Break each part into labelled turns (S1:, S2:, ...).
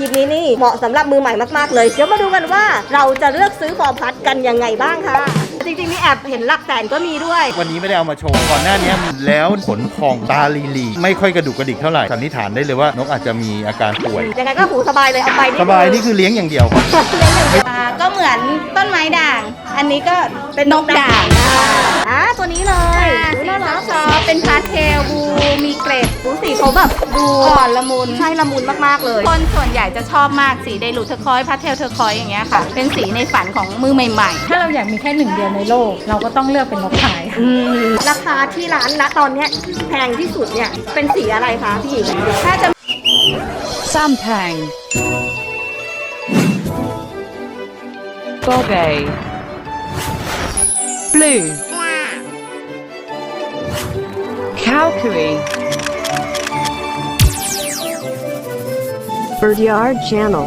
S1: ลิปนี้นี่เหมาะสำหรับมือใหม่มากๆเลยเดี๋ยวมาดูกันว่าเราจะเลือกซื้อฟอร์พัดกันยังไงบ้างค่ะจริงๆนี่แอบเห็นหลักแสนก็มีด้วย
S2: วันนี้ไม่ได้เอามาโชว์ก่อนหน้านี้แล้วขนพองตาลีไม่ค่อยกระดุกกระดิกเท่าไหร่สันนิษฐานได้เลยว่านกอาจจะมีอาการป่วย
S1: ยังไงก็หูสบายเลยเอาไป
S2: สบายนี่คือเลี้ยงอย่างเดียว
S3: ก็เหมือนต้นไม้ด่างอันนี้ก็เป็นนกด่าง
S1: ตัวนี้เลย
S3: น่ารักชอบเป็นพาสเทลบูมีเกรด
S1: สีเขาแบบดู
S3: อ่อนละมุน
S1: ใช่ละมุนมากๆเลย
S3: คนส่วนใหญ่จะชอบมากสีไดรูทเทอร์คอยส์พาสเทลเทอร์คอยส์อย่างเงี้ยค่ะเป็นสีในฝันของมือใหม่ๆ
S4: ถ้าเราอยากมีแค่หนึ่งเดียวในโลกเราก็ต้องเลือกเป็นนกไข่
S1: ราคาที่ร้านณตอนนี้แพงที่สุดเนี่ยเป็นสีอะไรคะพี่หญิง
S3: ถ้าจะ
S5: ซัมแพงโกเบย์บลูCalgary
S1: Birdyard Channel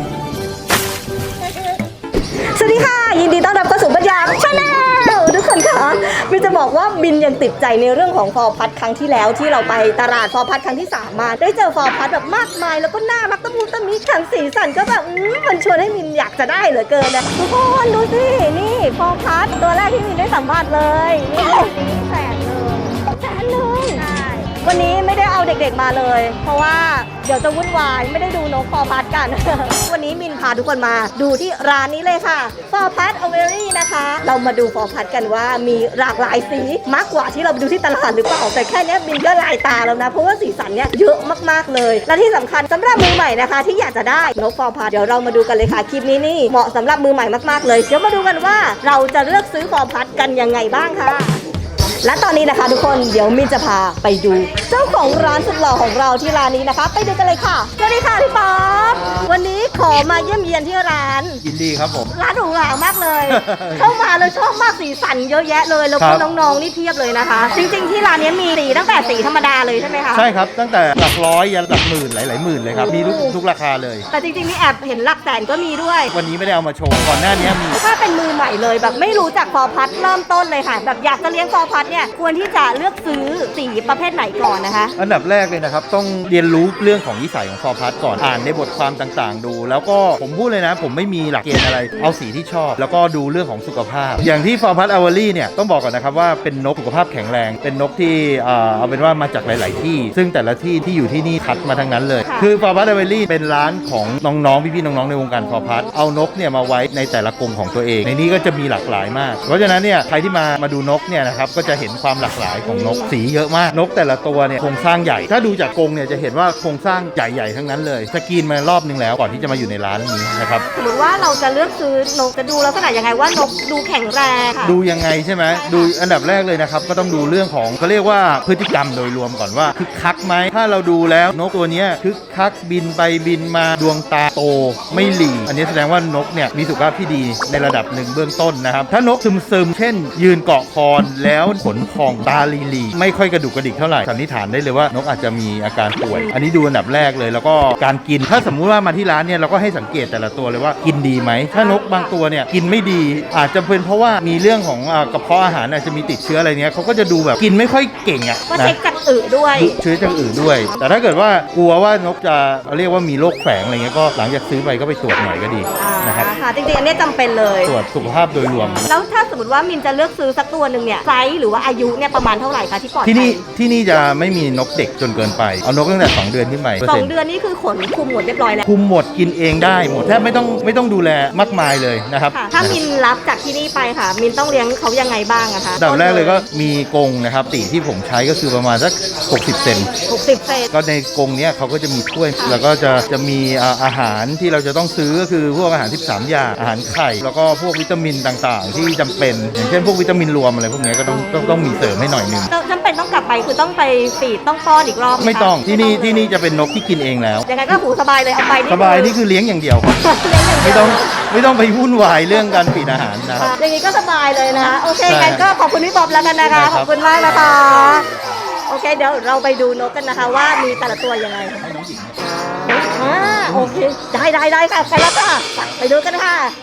S1: สวัสดีค่ะยินดีต้อนรับเข้าสู่Birdyard Channel ทุกคนค่ะบินจะบอกว่าบินยังติดใจในเรื่องของฟอร์พัดครั้งที่แล้วที่เราไปตลาดฟอร์พัดครั้งที่3มาได้เจอฟอร์พัดแบบมากมายแล้วก็น่ารักตะมุตะมิแถมสีสันก็แบบมันชวนให้มินอยากจะได้เหลือเกินนะทุกคนดูสินี่ฟอร์พัดตัวแรกที่มินได้สัมผัสเลยนี่แสนเลยวันนี้ไม่ได้เอาเด็กๆมาเลยเพราะว่าเดี๋ยวจะวุ่นวายไม่ได้ดูนกฟอร์พัดกัน วันนี้มินพาทุกคนมาดูที่ร้านนี้เลยค่ะฟอร์พัดอเวอรี่นะคะเรามาดูฟอร์พัดกันว่ามีหลากหลายสีมากกว่าที่เราไปดูที่ตลาดหรือเปล่าแต่แค่นี้มินก็ลายตาแล้วนะเพราะว่าสีสันเนี่ยเยอะมากๆเลยและที่สำคัญสำหรับมือใหม่นะคะที่อยากจะได้นกฟอร์พัดเดี๋ยวเรามาดูกันเลยค่ะคลิปนี้นี่เหมาะสำหรับมือใหม่มากๆเลยเดี๋ยวมาดูกันว่าเราจะเลือกซื้อฟอร์พัดกันยังไงบ้างค่ะและตอนนี้นะคะทุกคนเดี๋ยวมินจะพาไปดูเจ้าของร้านสุดหล่อของเราที่ร้านนี้นะคะไปดูกันเลยค่ะสวัสดีค่ะพี่ป๊อปวันนี้ขอมาเยี่ยมเยียนที่ร้าน
S2: ยินดีครับผม
S1: ร้านหรูหรามากเลย เข้ามาแล้วชอบมากสีสันเยอะแยะเลยแล้วก็น้องๆนี่เพียบเลยนะคะจริงๆที่ร้านนี้มีสีตั้งแต่สีธรรมดาเลยใช่ไหมคะ
S2: ใช่ครับตั้งแต่หลักร้อยยันหลักหมื่นหลายๆหมื่นเลยครับมีทุกราคาเลย
S1: แต่จริงๆนี่แอบเห็นหลักแสนก็มีด้วย
S2: วันนี้ไม่ได้เอามาโชว์ก่อนหน้านี้มี
S1: ถ้าเป็นมือใหม่เลยแบบไม่รู้จักฟอร์พัดเริ่มต้นเลยค่ะแบบอยากจะเลี้ยงฟอร์พัดเนี่ยควรที่จะเลือกซื้อสีประเภทไหนก่อนนะคะ
S2: อันดับแรกเลยนะครับต้องเรียนรู้เรื่องของนิสัยของฟอร์พัดก่อนอ่านในบทความต่างๆดูแล้วก็ผมพูดเลยนะผมไม่มีหลักเกณฑ์อะไรเอาสีที่ชอบแล้วก็ดูเรื่องของสุขภาพอย่างที่ฟอร์พัดอเวอรี่เนี่ยต้องบอกก่อนนะครับว่าเป็นนกสุขภาพแข็งแรงเป็นนกที่เอาเป็นว่ามาจากหลายๆที่ซึ่งแต่ละที่ที่อยู่ที่นี่คัดมาทั้งนั้นเลยคือฟอร์พัดอเวอรี่เป็นร้านของน้องๆพี่ๆน้องๆในวงการฟอร์พัดเอานกเนี่ยมาไว้ในแต่ละกรงของตัวเองในนี้ก็จะมีหลากหลายมากเพราะฉะนั้นเนี่ยใครที่มาดูนกเนี่ยนะครับก็จะเห็นความหลากหลายของนกสีเยอะมากนกแต่ละตัวเนี่ยโครงสร้างใหญ่ถ้าดูจากกรงเนี่ยจะเห็นว่าโครงสร้างใหญ่ๆทั้งนั้นเลยสกรีนมารอบนึงแล้วก่อนที่จะมาอยู่ในร้านนี้นะครับ
S1: สมมติว่าเราจะเลือกซื้อนกจะดูลักษณะยังไงว่านกดูแข็งแรงค่ะ
S2: ดูยังไงใช่ไหมดูอันดับแรกเลยนะครับก็ต้องดูเรื่องของเขาเรียกว่าพฤติกรรมโดยรวมก่อนว่าคึกคักไหมถ้าเราดูแล้วนกตัวนี้คึกคักบินไปบินมาดวงตาโตไม่หลีอันนี้แสดงว่านกเนี่ยมีสุขภาพที่ดีในระดับหนึ่งเบื้องต้นนะครับถ้านกซึมๆเช่นยืนเกาะคอนแล้วขนพองตาลีไม่ค่อยกระดุกกระดิกเท่าไหร่สันนิษฐานได้เลยว่านกอาจจะมีอาการป่วยอันนี้ดูอันดับแรกเลยแล้วก็การกินถ้าสมมุติว่ามาที่ร้านเนี่ยเราก็ให้สังเกตแต่ละตัวเลยว่ากินดีไหมถ้านกบางตัวเนี่ยกินไม่ดีอาจจะเป็นเพราะว่ามีเรื่องของกระเพาะอาหารอาจจะมีติดเชื้ออะไรเนี้ยเขาก็จะดูแบบกินไม่ค่อยเก่งอ่ะ
S1: ก็เช็คจากอึด้วย
S2: เชื้อจากอึด้วยแต่ถ้าเกิดว่ากลัวว่านกจะเรียกว่ามีโรคแฝงอะไรเงี้ยก็หลังจากซื้อไปก็ไปตรวจหน่อยก็ดีนะครับ
S1: ค่ะจริงๆอันนี้จำเป็นเลย
S2: ตรวจสุขภาพโดยรวม
S1: แล้วถ้าสมมติว่ามินจะเลือกซื้อสักตัวหนึ่งเนี่ยไซส์หรือว่าอายุเนี่ยประมาณเท่าไหร่คะที่ปลอดภัย
S2: ที่นี่จะไม่มีนกเด็กจนเกินไปเอานกตั้งแต่2เดือนขึ้นไป
S1: 2 เดือนนี่คือขนคุมหมดเรียบร้อยแล้ว
S2: คุมหมดกินเองได้หมดแทบไม่ต้องดูแลมากมายเลยนะครับ
S1: ถ้ามินรับจากที่นี่ไปค่ะมินต้องเลี้ยงเขายังไงบ้างอะคะ
S2: ดับแรกเลยก็มีกรงนะครับตีที่ผมใช้ก็คือประมาณสัก60 เซนก็ในกรงนี้เขาก็จะมีถ้วยแล้วก็จะมีอาหารที่เราจะต้องซื้อก็คือพวกอาหาร13อย่างอาหารไข่แล้วก็พวกวิตามินต่างๆที่จำเป็นอย่างเช่นพวกวิตามินรวมอะไรพวกนี้ก็ต้องมีเสริมให้หน่อยนึง
S1: จำเป็นต้องกลับไปคือต้องไปฟีดต้องป้อนอีกรอบ
S2: ไม่ต้องที่นี่จะเป็นนกที่กินเองแล้ว
S1: ยังไงก็หูสบายเลยเอาไป
S2: สบายนี่คือเลี้ยงอย่างเดียวไม่ต้องไปวุ่นวายเรื่องการฟีดอาหารนะครับ
S1: อย่างนี้ก็สบายเลยนะโอเคงั้นก็ขอบคุณพี่ป๊อปแล้วกันนะคะขอบคุณมากนะคะโอเคเดี๋ยวเราไปดูนกกันนะคะว่ามีแต่ละตัวยังไงโอเคได้ค่ะไปแล้วค่ะไปดูกันค่ะ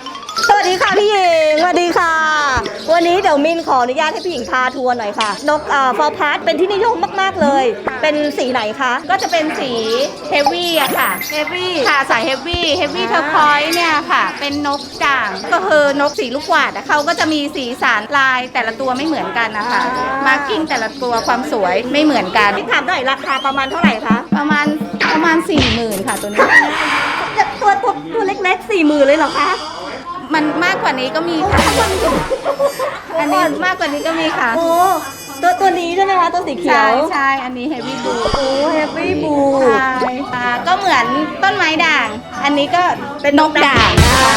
S1: สวัสดีค่ะพี่หญิงสวัสดีค่ะ วันนี้เดี๋ยวมินขออนุญาตให้พี่หญิงพาทัวร์หน่อยค่ะนกฟอร์พาร์ทเป็นที่นิยมมากๆเลย เป็นสีไหนคะ
S3: ก็จะเป็นสีเฮฟวี่อะค่ะ
S1: เฮฟวี่
S3: ค่ะสายเฮฟวี่เทอร์คอยส์เนี่ยค่ะ เป็นนกด่างก็คือนกสีลูกหวาดอะเขาก็จะมีสีสันลายแต่ละตัวไม่เหมือนกันนะคะมาร์กิ้งแต่ละตัวความสวยไม่เหมือนกัน
S1: พี่ถามหน่อยราคาประมาณเท่าไหร่คะ
S3: ประมาณ 40,000ค่ะตัวนี้
S1: ตัวเล็กๆ40,000เลยเหรอคะ
S3: มันมากกว่านี้ก็มีค่ะ อันนี้มากกว่านี้ก็มีค่ะ
S1: โอ้ตัวนี้ใช่ไหมคะตัวสีเขีย
S3: ใช่
S1: ว
S3: ใช่อันนี้เฮฟวี่บู
S1: โอ้เฮฟวี่บู
S3: ใช่ก็เหมือนต้นไม้ด่าง อันนี้ก็เป็นนกด่าง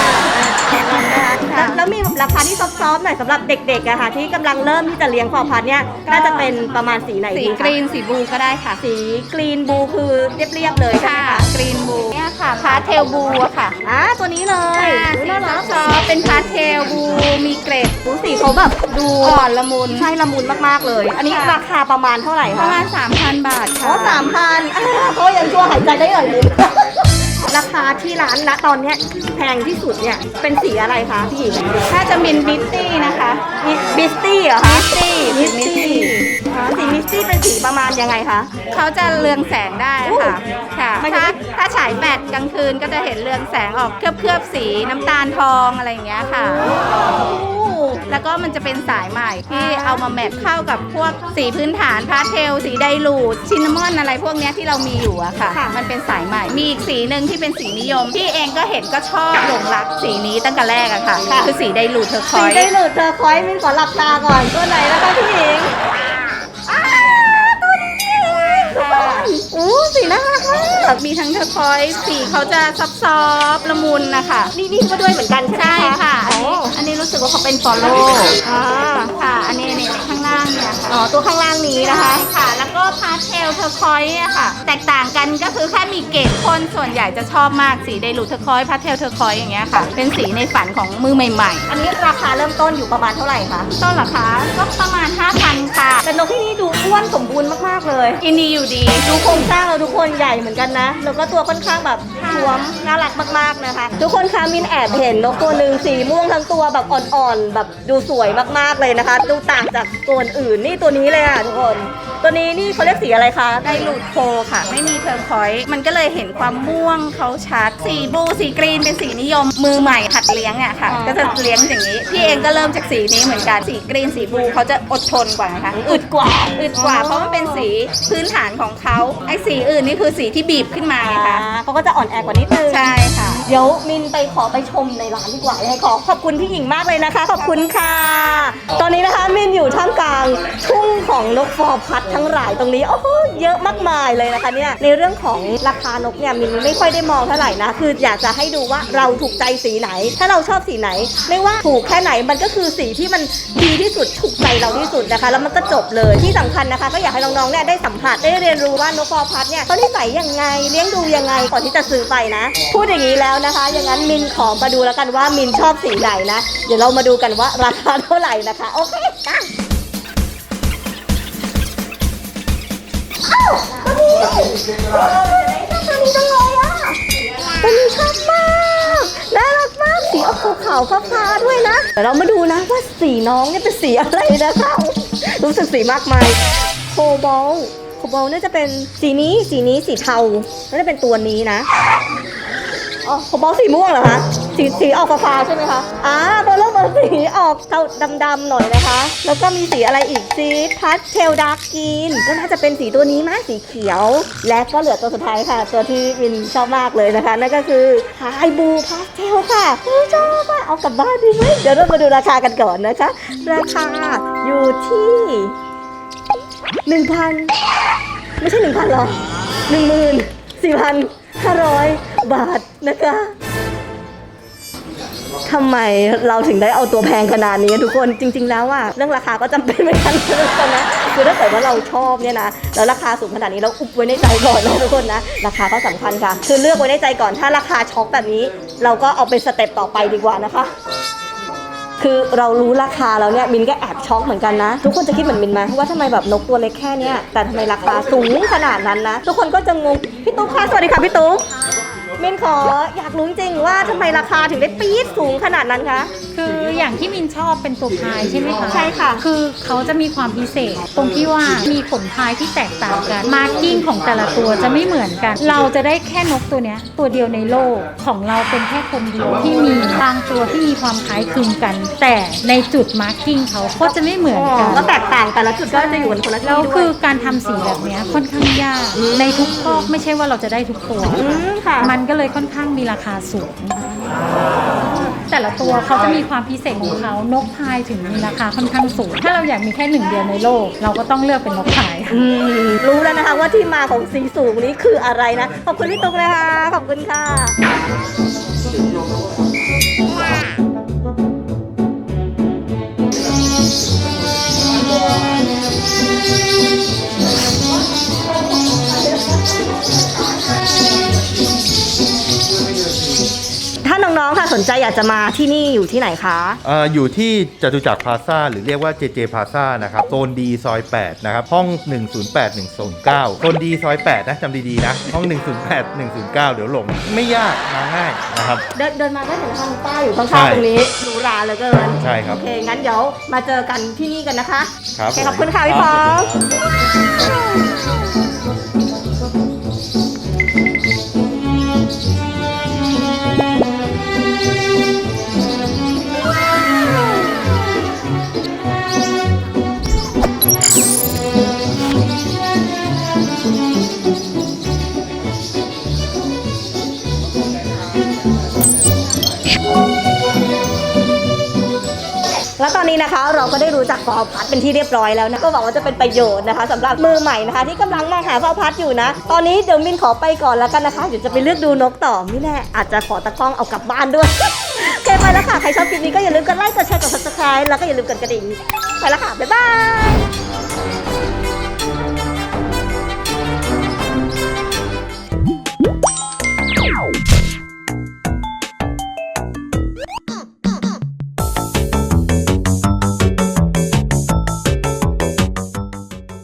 S1: แล้วมีราคาที่ซอฟๆหน่อยสำหรับเด็กๆอะค่ะที่กำลังเริ่มที่จะเลี้ยงฟอร์พัดเนี่ยน่าจะเป็นประมาณสีไหน
S3: สี
S1: ดี
S3: ก
S1: คะ
S3: รีนสีบลูก็ได้ค่ะ
S1: สีกรีนบูคือเรียบๆเลยใช่ไหม
S3: ค่ะ
S1: คะ
S3: กรีนบลูเนี่ยค่ะพาสเทลบลูอะค่ะ
S1: ตัวนี้เลย
S3: สี
S1: น่ารัก
S3: ซอฟๆเป็นพาสเทลบลูมีเกรด
S1: สีเขาแบบดู
S3: อ่อนละมุน
S1: ใช่ละมุนมากๆเลย อันนี้
S3: ค่ะ
S1: ราคาประมาณเท่าไหร่
S3: ป
S1: คะ
S3: ระมาณ 3,000 บาท
S1: อ๋
S3: ค่ะ
S1: อ3,000เขายังชั่วหายใจได้หน่อยนึง ราคาที่ร้านณตอนเนี้ยแพงที่สุดเนี่ยเป็นสีอะไรคะพี่หญิง
S3: ถ้าจะเป็นบิตตี้นะคะ
S1: บิสตี้เหรอคะ
S3: มิสตี้
S1: สีมิสตี้เป็นสีประมาณยังไงคะ
S3: เขาจะเรืองแสงได้ค่ะ ค่ะ
S1: หมายถึง
S3: ถ้าฉายแบตกลางคืนก็จะเห็นเรืองแสงออกเคลือบสีน้ำตาลทองอะไรอย่างเงี้ยค่ะ แล้วก็มันจะเป็นสายใหม่ที่เอามาแมทเข้ากับพวกสีพื้นฐานพาสเทลสีไดรูดชินนามอนอะไรพวกเนี้ยที่เรามีอยู่อะค่ะ มันเป็นสายใหม่ มีอีกสีหนึ่งที่เป็นสีนิยม ที่เองก็เห็นก็ชอบหลงรักสีนี้ตั้งแต่แรกอะค่ะ คือสีไดรูดเทอร์ค
S1: สี
S3: อยส์
S1: ได้หลุดเธอคอยมินขอหลับตาก่อนตัวไหนนะคะพี่หญิงตัวนี้อู้สีน่ารักมาก
S3: มีทั้งเทอร์คอยส์สีเขาจะซอฟๆละมุนนะคะ
S1: นี่ก็ด้วยเหมือนกันใช่
S3: ใช่
S1: ไหม
S3: ค่ะ
S1: อ๋อ
S3: อันนี้รู้สึกว่าเขาเป็นฟอลโล่ ค่ะ อันนี้ข้างล่างเนี่ยค่ะ
S1: อ๋อตัวข้างล่างนี้นะ
S3: ใช่
S1: คะ
S3: ค่ะ แล้วก็พาสเทลเทอร์คอยส์อะค่ะ แตกต่างกันก็คือแค่มีเกรดคนส่วนใหญ่จะชอบมากสีไดรูดเทอร์คอยส์พาสเทลเทอร์คอยส์อย่างเงี้ยค่ะ เป็นสีในฝันของมือใหม่
S1: อันนี้ราคาเริ่มต้นอยู่ประมาณเท่าไหร่คะ
S3: ๆ ต้นราคาก็ประมาณ 5,000 ค่ะ
S1: แต่นกที่นี่ดูอ้วนสมบูรณ์มากๆเลย
S3: กินดีอยู่ดี
S1: ดูโครงสร้างเราทุกคนใหญ่เหมือนกันนะ แล้วก็ตัวค่อนข้างแบบท้วมน่ารักมากๆนะคะ ทุกคนคะมินแอบเห็นนกตัวหนึ่งสีม่วงทั้งตัวแบบอ่อนๆแบบดูสวยมากๆเลยนะคะ ดูต่างจากตัวอื่นนี่ตัวนี้เลยค่ะทุกคน ตัวนี้นี่เขาเรียกสีอะไรคะ
S3: ไดรูดโคค่ะ ไม่มีเทอร์คอยส์มันก็เลยเห็นความม่วงเขาชัด สีบลูสีกรีนเป็นสีนิยมมือใหม่หัดเลี้ยงอะค่ะ ก็จะเลี้ยงอย่างนี้ พี่เองก็เริ่มจากสีนี้เหมือนกันสีกรีนสีบลูเขาจะอดทนกว่านะคะ
S1: อึดกว่า
S3: อึดกว่าเพราะมันเป็นสีพื้นฐานของเขาไอ้สีอื่นนี่คือสีที่บีบขึ้นมาไงคะ
S1: เขาก็จะอ่อนแอกว่านิดนึง
S3: ใช่ค่ะ
S1: เดี๋ยวมินไปขอไปชมในร้านดีกว่ายังไงขอบคุณพี่หญิงมากเลยนะคะ ขอบคุณค่ะ ตอนนี้นะคะมินอยู่ท่ามกลางทุ่งของนกฟอร์พัดทั้งหลายตรงนี้โอ้โหเยอะมากมายเลยนะคะเนี่ยในเรื่องของราคานกเนี่ยมินไม่ค่อยได้มองเท่าไหร่นะคืออยากจะให้ดูว่าเราถูกใจสีไหน ถ้าเราชอบสีไหน ไม่ว่าถูกแค่ไหนมันก็คือสีที่มันดีที่สุดถูกใจเราที่สุดนะคะ แล้วมันก็จบเลยที่สำคัญนะคะ ก็อยากให้น้องๆเนี่ยได้สัมผัสได้เรียนรู้ว่านกฟอร์พัดเนี่ยเขานิสัยยังไงเลี้ยงดูยังไงก่อนที่จะซื้อไปนะ พูดอย่างนี้แล้วนะคะ อย่างนั้นมินขอมาดูแล้วกันว่ามินชอบสีไหนนะ เดี๋ยวเรามาดูกันว่าราคาเท่าไหร่นะคะ โอเคจ้ะอ้าวตัวนี้ตัวนี้จังเลยอ่ะตัวนี้ชอบมากน่ารักมากสีออกขาวๆฟ้าๆด้วยนะเดี๋ยวเรามาดูนะว่าสีน้องเนี่ยเป็นสีอะไรนะคะรู้สึกสีมากมายโคบอลน่าจะเป็นสีนี้สีเทาน่าจะเป็นตัวนี้นะ อ๋อผมบอกสีม่วงเหรอคะสีออกฟ้าๆใช่ไหมคะเบอร์เริ่มเบอร์สีออกเทาดำๆหน่อยนะคะ แล้วก็มีสีอะไรอีกสีพาสเทลดาร์กกรีนก็น่าจะเป็นสีตัวนี้มั้ยสีเขียว และก็เหลือตัวสุดท้ายค่ะ ตัวที่มินชอบมากเลยนะคะ นั่นก็คือไฮบูพาสเทลค่ะชอบอ่ะเอากลับบ้านดีไหมเดี๋ยวเรามาดูราคากันก่อนนะคะ ราคาอยู่ที่ 1,000 ไม่ใช่ 1,000 หรอ 14,500 บาทนะคะทำไมเราถึงได้เอาตัวแพงขนาดนี้ทุกคนจริงๆแล้วอะเรื่องราคาก็จำเป็นเหมือนกันนะคือถ้าเกิดว่าเราชอบเนี่ยนะแล้วราคาสูงขนาดนี้เราอุบไว้ในใจก่อนนะทุกคนนะราคาก็สำคัญค่ะคือเลือกไว้ในใจก่อนถ้าราคาช็อกแบบนี้ เราก็เอาเป็นสเต็ปต่อไปดีกว่านะคะ คือเรารู้ราคาแล้วเนี่ยมินก็แอบช็อกเหมือนกันนะทุกคนจะคิดเหมือนมินไหมว่าทำไมแบบนกตัวเล็กแค่เนี้ยแต่ทำไมราคาสูงขนาดนั้นนะทุกคนก็จะงงพี่ตุ๊กค่ะสวัสดีค่ะพี่ตุ๊กมินขออยากรู้จริงๆว่าทำไมราคาถึงได้ปี๊ดสูงขนาดนั้นคะ
S4: คืออย่างที่มินชอบเป็นตัวพายใช่ไหมคะ
S1: ใช่ค่ะ
S4: คือเขาจะมีความพิเศษ ตรงที่ว่ามีขนพายที่แตกต่างกันมาร์กิ้งของแต่ละตัวจะไม่เหมือนกัน เราจะได้แค่นกตัวเนี้ยตัวเดียวในโลกของเราเป็นแค่คนเดียวที่มีบางตัวที่มีความคล้ายคลึงกัน แต่ในจุดมาร์กิ้งเขาก็จะไม่เหมือนกัน
S1: ก็แตกต่างแต่ละจุดก็จะอยู่กันคนละที่
S4: แล้ว
S1: ด้ว
S4: คื
S1: ย
S4: อการทำสีแบบเนี้ยค่อนข้างยากในทุกคอกไม่ใช่ว่าเราจะได้ทุกตัว
S1: ค่ะ
S4: มันก็เลยค่อนข้างมีราคาสูง แต่ละตัวเขาจะมีความพิเศษของเขานกพายถึงมีราคาค่อนข้างสูง ถ้าเราอยากมีแค่หนึ่งเดียวในโลก เราก็ต้องเลือกเป็นนกพาย
S1: รู้แล้วนะคะว่าที่มาของสีสูงนี้คืออะไรนะ ขอบคุณพี่ตุ๊กนะคะ ขอบคุณค่ะ ถ้าน้องๆค่ะสนใจอยากจะมาที่นี่อยู่ที่ไหนคะ
S2: อยู่ที่จตุจักรพลาซ่าหรือเรียกว่า JJ พลาซ่านะครับโซนดีซอย 8 นะครับ ห้อง 108 109โซนดีซอย 8 นะจำดีๆนะ ห้อง 108 109 เดี๋ยวหลงไม่ยากมาง่ายนะครับ
S1: เดินมาได้เห็นทางป้ายอยู่ข้าง
S2: ใช่
S1: ๆตรงนี้หรูหราเหลือเกิน
S2: ใช่ครับ
S1: โอเค งั้นเดี๋ยวมาเจอกันที่นี่กันนะคะ
S2: ครับ
S1: โอเคขอบคุณค่ะพี่พอง แล้วตอนนี้นะคะเราก็ได้รู้จักฟอร์พัดเป็นที่เรียบร้อยแล้วนะก็หวังว่าจะเป็นประโยชน์นะคะสำหรับมือใหม่นะคะ ที่กำลังมองหาฟอร์พัดอยู่นะ ตอนนี้เดี๋ยวมินขอไปก่อนแล้วกันนะคะเดี๋ยวจะไปเลือกดูนกต่อไม่แน่อาจจะขอตะกล้องเอากลับบ้านด้วย โอเคไปแล้วค่ะใครชอบคลิปนี้ก็อย่าลืมกดไลค์กดแชร์กด subscribe แล้วก็อย่าลืมกดกระดิ่งไปแล้วค่ะบ๊ายบาย